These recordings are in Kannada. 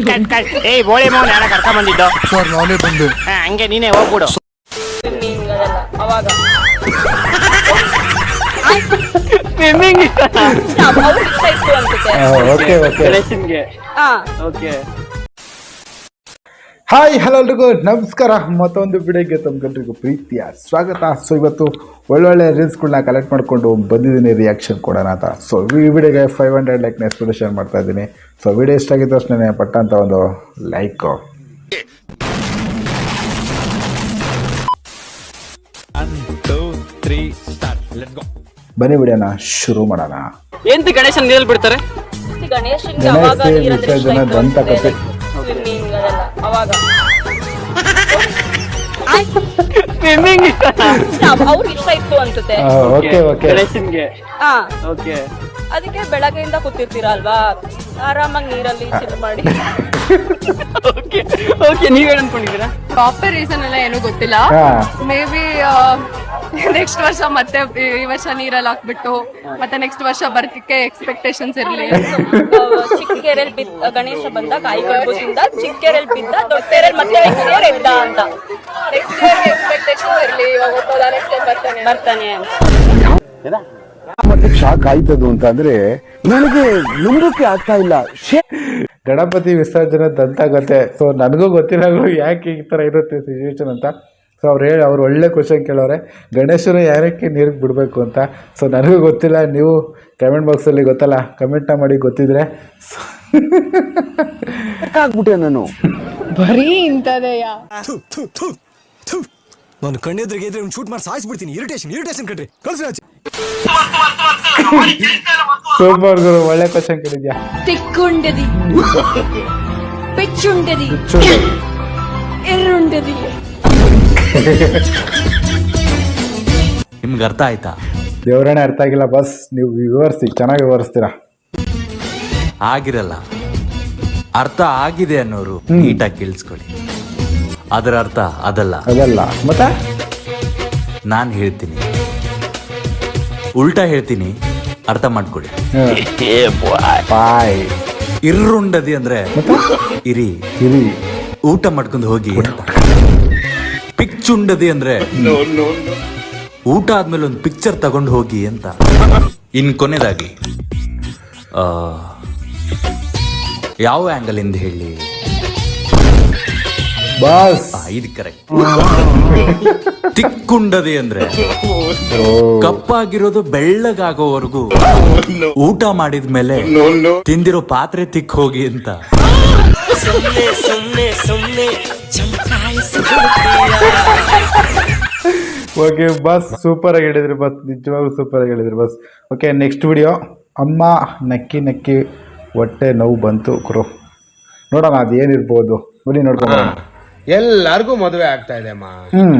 ಏಯ್ ಬೋಳಿ ಮೌನ ಯಾರ ಕರ್ಕೊಂಡ್ ಬಂದಿದ್ದು ಸರ್ ನಾನೇ ಬಂದೆ. ಹಂಗೆ ನೀನೇ ಹೋಗ್ಬಿಡು. ಅವಾಗ ಸ್ವಿಮ್ಮಿಂಗ್ ಅವ್ರಿಗೆ ಇಷ್ಟ ಇತ್ತು ಅನ್ಸುತ್ತೆ. ಓಕೆ ಓಕೆ ಗಣೇಶನ್ಗೆ ಹಾ ಓಕೆ. ಹಾಯ್ ಹಲೋ ಎಲ್ರಿಗೂ ನಮಸ್ಕಾರ. ಮತ್ತೊಂದು ವಿಡಿಯೋಗೆ ತಮ್ಗೆಲ್ರಿಗೂ ಪ್ರೀತಿಯ ಸ್ವಾಗತ. ಸೊ ಇವತ್ತು ಒಳ್ಳೊಳ್ಳೆ ರೀಲ್ಸ್ಗಳನ್ನ ಕಲೆಕ್ಟ್ ಮಾಡಿಕೊಂಡು ಬಂದಿದ್ದೀನಿ ರಿಯಾಕ್ಷನ್ ಕೊಡೋಣ ಅಂತ. ಸೊ ಈ ವಿಡಿಯೋಗೆ 500 ಲೈಕ್ನ ಎಕ್ಸ್ಪೆಕ್ಟೇಷನ್ ಮಾಡ್ತಾ ಇದ್ದೀನಿ. ಸೊ ವಿಡಿಯೋ ಇಷ್ಟ ಆಗಿದ್ದ ತಕ್ಷಣ ಪಟ್ಟ ಅಂತ ಒಂದು ಲೈಕು. ಬನ್ನಿ ವಿಡಿಯೋನ ಶುರು ಮಾಡೋಣ. ಎಂತ ಗಣೇಶನ್ ನೀರಲ್ಲಿ ಬಿಡ್ತಾರೆ? ಗಣೇಶನ್ಗೆ ಅವಾಗ ಗಣೇಶ ನೀರಂದ್ರೆ ಇಷ್ಟ ವಿಸರ್ಜನೆ ಇತ್ತು ದಂತಕಥೆ. ಸ್ವಿಮ್ಮಿಂಗ್ ಅದೆಲ್ಲ ಅವಾಗ ಸ್ವಿಮ್ಮಿಂಗ್ ಅವ್ರಿಗೆ ಇಷ್ಟ ಇತ್ತು ಅನ್ಸುತ್ತೆ. ಓಕೆ ಓಕೆ ಗಣೇಶನ್ಗೆ ಹಾ ಓಕೆ. ಅದಕ್ಕೆ ಬೆಳಗ್ಗೆಯಿಂದ ಕೂತಿರ್ತೀರಾ ಅಲ್ವಾ, ಆರಾಮಾಗಿ ನೀರಲ್ಲಿ ಚಿಲ್ ಮಾಡಿ. Okay okay. ನೀವೇನ್ ಅನ್ಕೊಂಡಿದ್ದೀರಾ? ಪ್ರಾಪರ್ ರೀಸನ್ ಎಲ್ಲ ಏನೂ ಗೊತ್ತಿಲ್ಲ. ಮೇ ಬಿ ನೆಕ್ಸ್ಟ್ ವರ್ಷ ಮತ್ತೆ ಈ ವರ್ಷ ನೀರಲ್ಲಿ ಹಾಕ್ಬಿಟ್ಟು ಮತ್ತೆ ನೆಕ್ಸ್ಟ್ ವರ್ಷ ಬರ್ತಿಕ್ಕೆ ಎಕ್ಸ್ಪೆಕ್ಟೇಷನ್ಸ್ ಇರಲಿ. ಚಿಕ್ಕಕೆರೆಯಲ್ಲಿ ಬಿದ್ದ ಗಣೇಶ ಬಂದ ಕಾಯಿ ಕಡ್ಬೋದಿಂದ ಚಿಕ್ಕಕೆರೆಯಲ್ಲಿ ಬಿದ್ದ ದೊಡ್ಡ ಮತ್ತೆ ಎದ್ದ ಅಂತ ನೆಕ್ಸ್ಟ್ ಇಯರ್ ಎಕ್ಸ್ಪೆಕ್ಟೇಷನ್ ಇರಲಿ. ಇವಾಗ ಹೋಗೋದ ನೆಕ್ಸ್ಟ್ ಟೈಮ್ ಬರ್ತಾನೆ ಮತ್ತೆ ಶಾಕ್ ಆಯ್ತದು ಅಂತ ಅಂದ್ರೆ ನನಗೆ ನಂಬಕ್ಕೆ ಆಗ್ತಾ ಇಲ್ಲ. ಗಣಪತಿ ವಿಸರ್ಜನೆ ದಂತಕಥೆ. ಸೊ ನನಗೂ ಗೊತ್ತಿಲ್ಲ ಯಾಕೆ ಈ ಥರ ಇರುತ್ತೆ ಸಿಚುವೇಶನ್ ಅಂತ. ಸೊ ಅವ್ರು ಒಳ್ಳೆ ಕ್ವಶನ್ ಕೇಳೋರೆ, ಗಣೇಶನ ಯಾರಕ್ಕೆ ನೀರಿಗೆ ಬಿಡಬೇಕು ಅಂತ. ಸೊ ನನಗೂ ಗೊತ್ತಿಲ್ಲ, ನೀವು ಕಮೆಂಟ್ ಬಾಕ್ಸಲ್ಲಿ ಗೊತ್ತಲ್ಲ ಕಮೆಂಟ್ನ ಮಾಡಿ ಗೊತ್ತಿದ್ರೆ. ಆಗ್ಬಿಟ್ಟೆ ನಾನು. ಬರೀ ಇಂಥದೆಯಾ? ನಾನು ಕಣ್ಣೆದ್ರಿಗೆ ಇದ್ರೆ ಒಂದು ಶೂಟ್ ಮಾಡಿ ಸಾಯಿಸ್ಬಿಡ್ತೀನಿ. ಇರಿಟೇಷನ್ ಕಣ್ರಿ, ಕಳ್ಸಿ ಆಚೆ. ಸೂಪರ್ ಗುರು, ಒಳ್ಳೆ ಕ್ವಶನ್ ಕೇಳಿದ್ಯಾ. ತಿಕ್ಕುಂಡದಿ ಪೆಚ್ಚುಂಡದಿ ಎರುಂಡದಿ. ನಿಮ್ಗೆ ಅರ್ಥ ಆಯ್ತಾ? ದೇವರೇ ಅರ್ಥ ಆಗಿಲ್ಲ ಬಸ್, ನೀವು ವಿವರಿಸಿ, ಚೆನ್ನಾಗಿ ವಿವರಿಸ್ತೀರಾ. ಆಗಿರಲ್ಲ, ಅರ್ಥ ಆಗಿದೆ ಅನ್ನೋರು ನೀಟಾಗಿ ಕೇಳಿಸ್ಕೊಳ್ಳಿ. ಅದರ ಅರ್ಥ ಅದಲ್ಲ. ಮತ್ತೆ ನಾನು ಹೇಳ್ತೀನಿ, ಉಲ್ಟಾ ಹೇಳ್ತೀನಿ, ಅರ್ಥ ಮಾಡ್ಕೊಳ್ಳಿ. ಬಾಯ್ ಇರ್ರುಂಡದಿ ಅಂದ್ರೆ ಇರಿ ಇರಿ ಊಟ ಮಾಡ್ಕೊಂಡು ಹೋಗಿ ಅಂತ. ಪಿಕ್ಚುಂಡದಿ ಅಂದ್ರೆ ಊಟ ಆದ್ಮೇಲೆ ಒಂದು ಪಿಕ್ಚರ್ ತಗೊಂಡು ಹೋಗಿ ಅಂತ. ಇನ್ ಕೊನೆದಾಗಿ ಯಾವ ಆಂಗಲ್ ಇಂದ ಹೇಳಿ? ಬಾಸ್ ಇದು ಕರೆಕ್ಟ್. ತಿಕ್ಕುಂಡದಿ ಅಂದ್ರೆ ಕಪ್ಪಾಗಿರೋದು ಬೆಳ್ಳಗಾಗೋವರೆಗೂ ಊಟ ಮಾಡಿದ್ಮೇಲೆ ತಿಂದಿರೋ ಪಾತ್ರೆ ತಿಕ್ ಹೋಗಿ ಅಂತ. ಓಕೆ ಬಸ್, ಸೂಪರ್ ಆಗಿ ಹೇಳಿದ್ರಿ ಬಸ್, ನಿಜವಾಗ್ಲೂ ಸೂಪರ್ ಆಗಿ ಹೇಳಿದ್ರಿ ಬಸ್. Okay next video. ಅಮ್ಮ ನಕ್ಕಿ ನಕ್ಕಿ ಹೊಟ್ಟೆ ನೋವು ಬಂತು ಗುರು. ನೋಡೋಣ ಅದು ಏನಿರ್ಬೋದು, ಬನ್ನಿ ನೋಡ್ಕೊಂಡು. ಎಲ್ಲಾರ್ಗು ಮದುವೆ ಆಗ್ತಾ ಇದೆ ಅಮ್ಮ.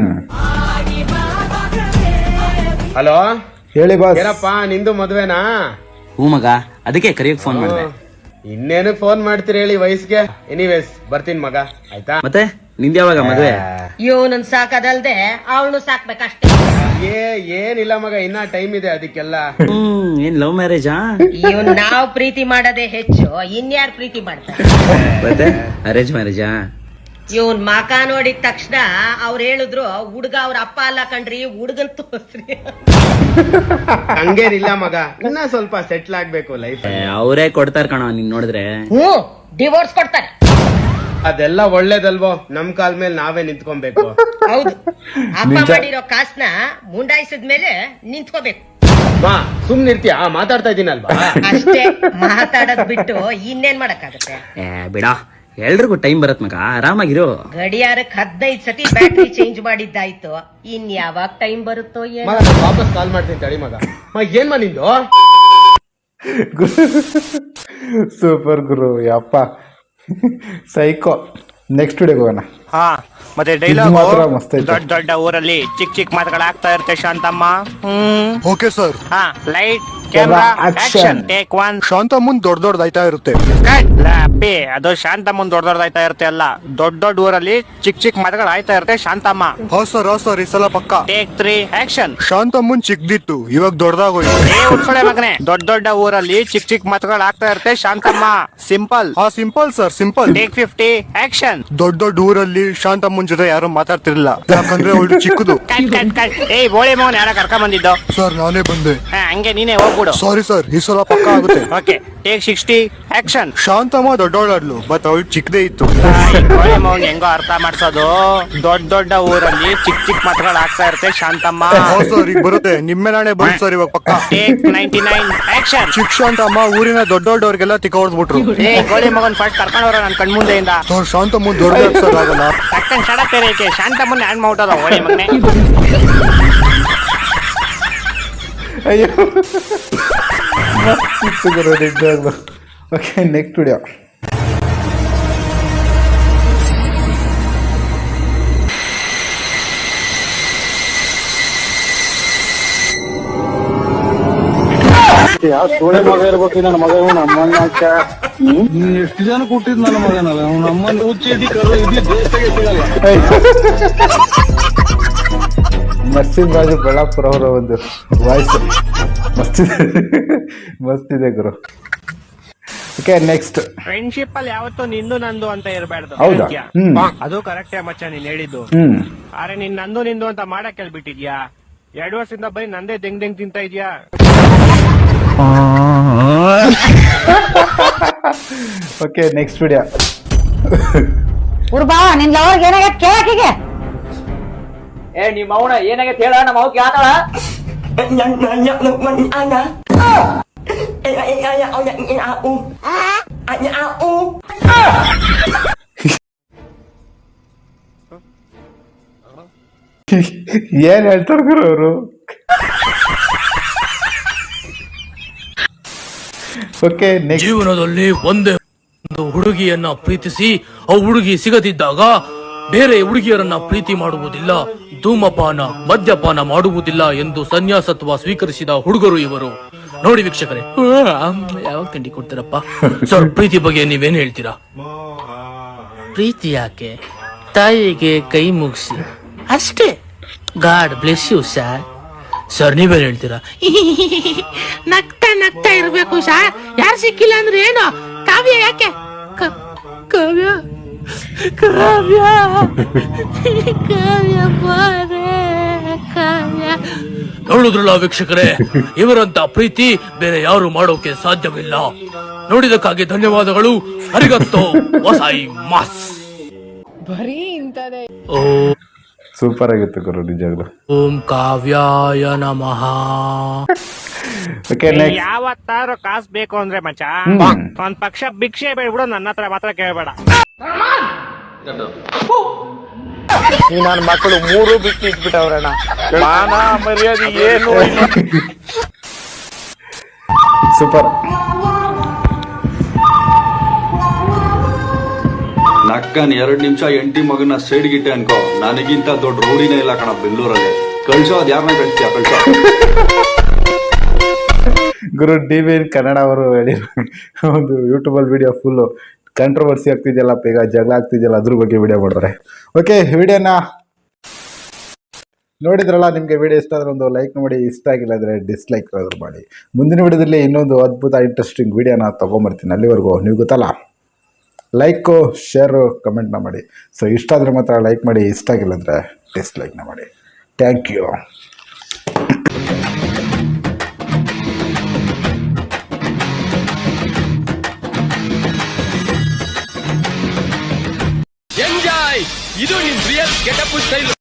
ಹಲೋ ಹೇಳಿ ಬಾಸ್. ಏನಪ್ಪ ನಿಂದು ಮದುವೆನಾ? ಹೂ ಮಗ, ಅದಕ್ಕೆ ಕರಿಯಕ್ ಫೋನ್ ಮಾಡಿದೆ. ಇನ್ನೇನು ಫೋನ್ ಮಾಡ್ತೀರಿ ಹೇಳಿ ವಯಸ್ಸಿಗೆ. ಎನಿವೇಸ್ ಬರ್ತೀನಿ ಮಗ, ಆಯ್ತಾ? ಮತ್ತೆ ನಿಂದ ಯಾವಾಗ ಮದುವೆ? ಇವನನ್ ಸಾಕದಲ್ದೆ ಅವಳು ಸಾಕ್ಬೇಕಷ್ಟೇ. ಏನಿಲ್ಲ ಮಗ, ಇನ್ನ ಟೈಮ್ ಇದೆ ಅದಕ್ಕೆಲ್ಲ. ಏನ್ ಲವ್ ಮ್ಯಾರೇಜಾ? ಇವನ್ ನಾವ್ ಪ್ರೀತಿ ಮಾಡೋದೇ ಹೆಚ್ಚು, ಇನ್ಯಾರು ಪ್ರೀತಿ ಮಾಡ್ತಾರೆ? ಮತ್ತೆ ಅರೇಂಜ್ ಮ್ಯಾರೇಜಾ? ಇವನ್ ಮಕ ನೋಡಿದ ತಕ್ಷಣ ಅವ್ರು ಹೇಳಿದ್ರು ಹುಡ್ಗ ಅವ್ರ ಅಪ್ಪ ಅಲ್ಲ ಕಣ್ರಿ, ಹುಡ್ಗನ್ ತೋರ್ಸ್ರಿ. ಹಂಗೇನಿಲ್ಲ ಮಗ, ಇನ್ನ ಸ್ವಲ್ಪ ಸೆಟ್ಲ್ ಆಗ್ಬೇಕು ಲೈಫ್. ಅವರೇ ಕೊಡ್ತಾರ ಕಣ ನಿನ್ ನೋಡಿದ್ರೆ. ಡಿವೋರ್ಸ್ ಕೊಡ್ತಾರೆ. ಅದೆಲ್ಲ ಒಳ್ಳೇದಲ್ವೋ, ನಮ್ ಕಾಲ್ ಮೇಲೆ ನಾವೇ ನಿಂತ್ಕೊಬೇಕು. ಹೌದು, ಅಪ್ಪ ಮಾಡಿರೋ ಕಾಸ್ನ ಮುಂಡಾಯಿಸಿದ್ಮೇಲೆ ನಿಂತ್ಕೋಬೇಕು. ಮಾ ಸುಮ್ನಿರ್ತೀಯ, ಮಾತಾಡ್ತಾ ಇದೀನಲ್ವಾ? ಅಷ್ಟೇ, ಮಾತಾಡೋದ್ ಬಿಟ್ಟು ಇನ್ನೇನ್ ಮಾಡಕ್ಕಾಗತ್ತೆ? ಬಿಡ, ಎಲ್ರಿಗೂ ಟೈಮ್ ಬರತ್ ಮಗ, ಆರಾಮಾಗಿರೋ. ಗಡಿಯಾರಕ್ಕೆ 15 ಸತಿ ಬ್ಯಾಟ್ರಿ ಚೇಂಜ್ ಮಾಡಿದ್ದಾಯ್ತು, ಇನ್ ಯಾವಾಗ ಟೈಮ್ ಬರುತ್ತೋ ಏನೋ. ಮಗ ನಾನ್ ವಾಪಸ್ ಕಾಲ್ ಮಾಡ್ತೀನಿ ತಡಿ ಮಗ. ಏನ್ ನಿಂದು? ಸೂಪರ್ ಗುರು, ಯಪ್ಪ ಸೈಕೋ. ನೆಕ್ಸ್ಟ್ ವಿಡಿಯೋಗೆ ಹೋಗೋಣ. ಹಾ, ಮತ್ತೆ ಮಾತ್ರ ಡೈಲಾಗ್ ಮಸ್ತ್ ಐತೆ. ದೊಡ್ಡ ಊರಲ್ಲಿ ಚಿಕ್ಕ ಮಾತುಗಳಾಗ್ತಾ ಇರುತ್ತೆ ಶಾಂತಮ್ಮ. Okay sir. ಹಾ, light camera action. Take one. Shanta ಮುಂದ್ ದೊಡ್ಡದಾಯ್ತಾ ಇರುತ್ತೆ. ಪಿ ಅದು ಶಾಂತಮ್ಮನ್ ದೊಡ್ಡದಾಯ್ತಾ ಇರುತ್ತೆ ಅಲ್ಲ, ದೊಡ್ಡ ದೊಡ್ಡ ಊರಲ್ಲಿ ಚಿಕ್ಕ ಚಿಕ್ಕ ಮತಗಳು ಆಯ್ತಾ ಇರುತ್ತೆ ಶಾಂತಮ್ಮ. ಸರ್ ಈ ಸಲ ಪಕ್ಕ. Take 3 action. ಶಾಂತ ಮುಂದ್ ಚಿಕ್ಕದಿತ್ತು, ಇವಾಗ ದೊಡ್ಡದಾಗೋಯ್ತು. ಉಡ್ಸೊಳೆ ಮಗನೇ, ದೊಡ್ಡ ದೊಡ್ಡ ಊರಲ್ಲಿ ಚಿಕ್ಕ ಚಿಕ್ಕ ಮತಗಳು ಆಗ್ತಾ ಇರುತ್ತೆ Shantamma. Simple. Simple sir, simple. Take 50 action. ದೊಡ್ಡ ದೊಡ್ಡ ಊರಲ್ಲಿ ಶಾಂತಮ್ಮನ್ ಜೊತೆ ಯಾರು ಮಾತಾಡ್ತಿರ್ಲಿಲ್ಲ, ಯಾಕಂದ್ರೆ ಅವಳು ಚಿಕ್ಕದು. ಏಯ್ ಬೋಳಿ ಮಗನ್ ಯಾರ ಕರ್ಕೊಂಡ್ ಬಂದಿದ್ದು? ಸರ್ ನಾನೇ ಬಂದೆ. ಹಂಗೆ ನೀನೇ ಹೋಗ್ಬಿಡು. ಸಾರಿ ಸರ್, ಈ ಸಲ ಪಕ್ಕ ಆಗುತ್ತೆ. Okay take 60 action. ಶಾಂತಮ್ಮ ದೊಡ್ಡವಳಾಡ್ಲು, ಬಟ್ ಅವಳು ಚಿಕ್ಕದೇ ಇತ್ತು. ಬೋಳಿ ಮಗನ್ ಹೆಂಗೋ ಅರ್ಥ ಮಾಡ್ಸೋದು, ದೊಡ್ಡ ದೊಡ್ಡ ಊರಲ್ಲಿ ಚಿಕ್ಕ ಚಿಕ್ಕ ಮತಗಳು ಆಗ್ತಾ ಇರುತ್ತೆ ಶಾಂತಮ್ಮ. ಸರ್ ಈಗ ಬರುತ್ತೆ, ನಿಮ್ಮ ನಾಳೆ ಬರುತ್ತೆ ಸರ್ ಇವಾಗ ಪಕ್ಕ. Take 99 action. ಚಿಕ್ಕ ಶಾಂತಮ್ಮ ಊರಿನ ದೊಡ್ಡವ್ರಿಗೆಲ್ಲ ತಿಕ್ಕ ಹೊಡೆದ್ಬಿಟ್ರು. ಏ ಗೋಳಿ ಮಗನ್ ಫಸ್ಟ್ ಕರ್ಕೊಂಡವ್ರ ನನ್ ಕಣ್ಮುಂದೆಯಿಂದ. ಸರ್ ಶಾಂತಮ್ಮ ದೊಡ್ಡ ಸರ್ ಆಗಲ್ಲ. ತಕ್ಕನ್ ಶಡಪ್ ಏಕೆ ಶಾಂತಮ್ಮನ್ ಹ್ಯಾಂಡ್ ಮಾಡ್ಬಿಟ್ಟದ ಗೋಳಿ ಮಗನೇ. ಅಯ್ಯೋ ಮಸ್ತಿತ್ತು ಗುರು ನಿಜವಾಗ್ಲು. Okay next video. ಎಷ್ಟು ಜನ ಕೊಟ್ಟಿದ್ ನನ್ನ ಮಗನಲ್ಲ ನಮ್ಮನ್ನು ಹುಚ್ಚಿ ಕರು ನರಸಿಂಹ ರಾಜು ಬೆಳ್ಳಾಪುರ ಅವರ ಒಂದು ವಾಯ್ಸ್ ಮಸ್ತಿದೆ ಗುರು. Okay next. ಫ್ರೆಂಡ್ಶಿಪ್ ಅಲ್ಲಿ ಯಾವತ್ತೂ ನಿಂದು ನಂದು ಅಂತ ಇರಬಾರ್ದು. ಹೌದಾ? ಅದು ಕರೆಕ್ಟೇ ಮಚ್ಚ ನೀನ್ ಹೇಳಿದ್ದು. ಆದ್ರೆ ನೀನ್ ನಂದು ನಿಂದು ಅಂತ ಮಾಡಕ್ ಹೇಳ್ಬಿಟ್ಟಿದ್ಯಾ. 2 ವರ್ಷದಿಂದ ಬರೀ ನಂದೇ ದೆಂಗ್ ತಿಂತ ಇದ್ಯಾ. Okay next video. ಹುಡ್ಬಾ ನಿನ್ ಲವರ್ಗೆ ಏನಾಗೈತ್ ಕೇಳಾಕಿಗೆ. ಏ ನಿಮ್ಮ ಅವನ ಏನಾಗೈತೆ ಹೇಳ, ನಮ್ಮ ಅವ್ಕೆ ಆತಳ. ಏನ್ ಹೇಳ್ತಾರ ಗುರು ಅವರು? Okay next. ಜೀವನದಲ್ಲಿ ಒಂದೇ ಒಂದು ಹುಡುಗಿಯನ್ನ ಪ್ರೀತಿಸಿ ಆ ಹುಡುಗಿ ಸಿಗದಿದ್ದಾಗ ಬೇರೆ ಹುಡುಗಿಯರನ್ನ ಪ್ರೀತಿ ಮಾಡುವುದಿಲ್ಲ, ಧೂಮಪಾನ ಮದ್ಯಪಾನ ಮಾಡುವುದಿಲ್ಲ ಎಂದು ಸನ್ಯಾಸತ್ವ ಸ್ವೀಕರಿಸಿದ ಹುಡುಗರು ಇವರು. ನೋಡಿ ವೀಕ್ಷಕರೇ, ಯಾವಾಗ ತಿಂಡಿ ಕೊಡ್ತೀರಪ್ಪ? ಸರ್ ಪ್ರೀತಿ ಬಗ್ಗೆ ನೀವೇನ್ ಹೇಳ್ತೀರಾ? ಪ್ರೀತಿ ಯಾಕೆ, ತಾಯಿಗೆ ಕೈ ಮುಗಿಸಿ ಅಷ್ಟೇ. God bless you sir. Sir ನೀವೇನ್ ಹೇಳ್ತೀರಾ? ನಗ್ತಾ ನಗ್ತಾ ಇರ್ಬೇಕು ಸರ್, ಯಾರು ಸಿಕ್ಕಿಲ್ಲ ಅಂದ್ರೆ ಏನು? ಕಾವ್ಯ ಯಾಕೆ? ಕಾವ್ಯ ಕಾವ್ಯ ಕಾವ್ಯ ಬಾರೆ ಕಾವ್ಯ. ನೋಡಿದ್ರಲ್ಲ ವೀಕ್ಷಕರೇ, ಇವರಂತ ಪ್ರೀತಿ ಬೇರೆ ಯಾರು ಮಾಡೋಕೆ ಸಾಧ್ಯವಿಲ್ಲ. ನೋಡಿದಕ್ಕಾಗಿ ಧನ್ಯವಾದಗಳು. ಅರಿಗತ್ತೋ ವಸಾಯಿ ಮಾಸ್. ಬರೀ ಇಂತದೇ. ಸೂಪರ್ ಆಗಿತ್ತು ಗುರು ನಿಜವಾಗ್ಲು. ಓಂ ಕಾವ್ಯಾಯ ನಮಃ. Okay next. ಯಾವತ್ತಾರು ಕಾಸು ಬೇಕು ಅಂದ್ರೆ ಮಚ್ಚ ಒಂದ್ ಪಕ್ಷ ಭಿಕ್ಷೆ ಬೇಡ್ಬಿಡು, ನನ್ನ ಹತ್ರ ಮಾತ್ರ ಕೇಳಬೇಡ. ಈ ನನ್ನ ಮಕ್ಕಳು 3 ಬಿಟ್ಟು ಇಟ್ಬಿಟ್ಟವ್ರಣ್ಣ. ಮಾನ ಮರ್ಯಾದೆ ಏನು ಸೂಪರ್. ನಕ್ಕನ್ 2 ನಿಮಿಷ ಎಂಟಿ ಮಗನ ಸೈಡ್ ಗಿಟ್ಟೆ ಅನ್ಕೋ, ನನಗಿಂತ ದೊಡ್ಡ ರೂಢಿನೇ ಇಲ್ಲ ಕಣ ಬೆಂಗಳೂರಲ್ಲಿ. ಕಳ್ಸೋ ಅದ್ ಯಾರನ್ನ ಕಳಿಸ್ತೀಯ ಕಳ್ಸೋ. ಗುರು DVN ಕನ್ನಡ ಅವರು ಹೇಳಿರೋ ಒಂದು ಯೂಟ್ಯೂಬಲ್ಲಿ ವಿಡಿಯೋ ಫುಲ್ಲು ಕಾಂಟ್ರವರ್ಸಿ ಆಗ್ತಿದೆಯಲ್ಲಪ್ಪ, ಈಗ ಜಗಳ ಆಗ್ತಿದೆಯಲ್ಲ, ಅದ್ರ ಬಗ್ಗೆ ವಿಡಿಯೋ ಮಾಡ್ತಾರೆ. ಓಕೆ ವಿಡಿಯೋನ ನೋಡಿದ್ರಲ್ಲ, ನಿಮಗೆ ವಿಡಿಯೋ ಇಷ್ಟ ಆದರೆ ಒಂದು ಲೈಕ್ ಮಾಡಿ, ಇಷ್ಟ ಆಗಿಲ್ಲ ಅಂದರೆ ಡಿಸ್ಲೈಕ್ ಆದರೂ ಮಾಡಿ. ಮುಂದಿನ ವಿಡಿಯೋದಲ್ಲಿ ಇನ್ನೊಂದು ಅದ್ಭುತ ಇಂಟ್ರೆಸ್ಟಿಂಗ್ ವಿಡಿಯೋನ ತೊಗೊಂಬರ್ತೀನಿ. ಅಲ್ಲಿವರೆಗೂ ನೀವು ಗೊತ್ತಲ್ಲ, ಲೈಕು ಶೇರು ಕಮೆಂಟ್ನ ಮಾಡಿ. ಸೊ ಇಷ್ಟ ಆದರೆ ಮಾತ್ರ ಲೈಕ್ ಮಾಡಿ, ಇಷ್ಟ ಆಗಿಲ್ಲ ಅಂದರೆ ಡಿಸ್ಲೈಕ್ನ ಮಾಡಿ. Thank you. ಎಂಜಾಯ್. ಇದು ನಿಮ್ ರಿಯಲ್ ಗೆಟಪ್ ಸ್ಟೈಲ್.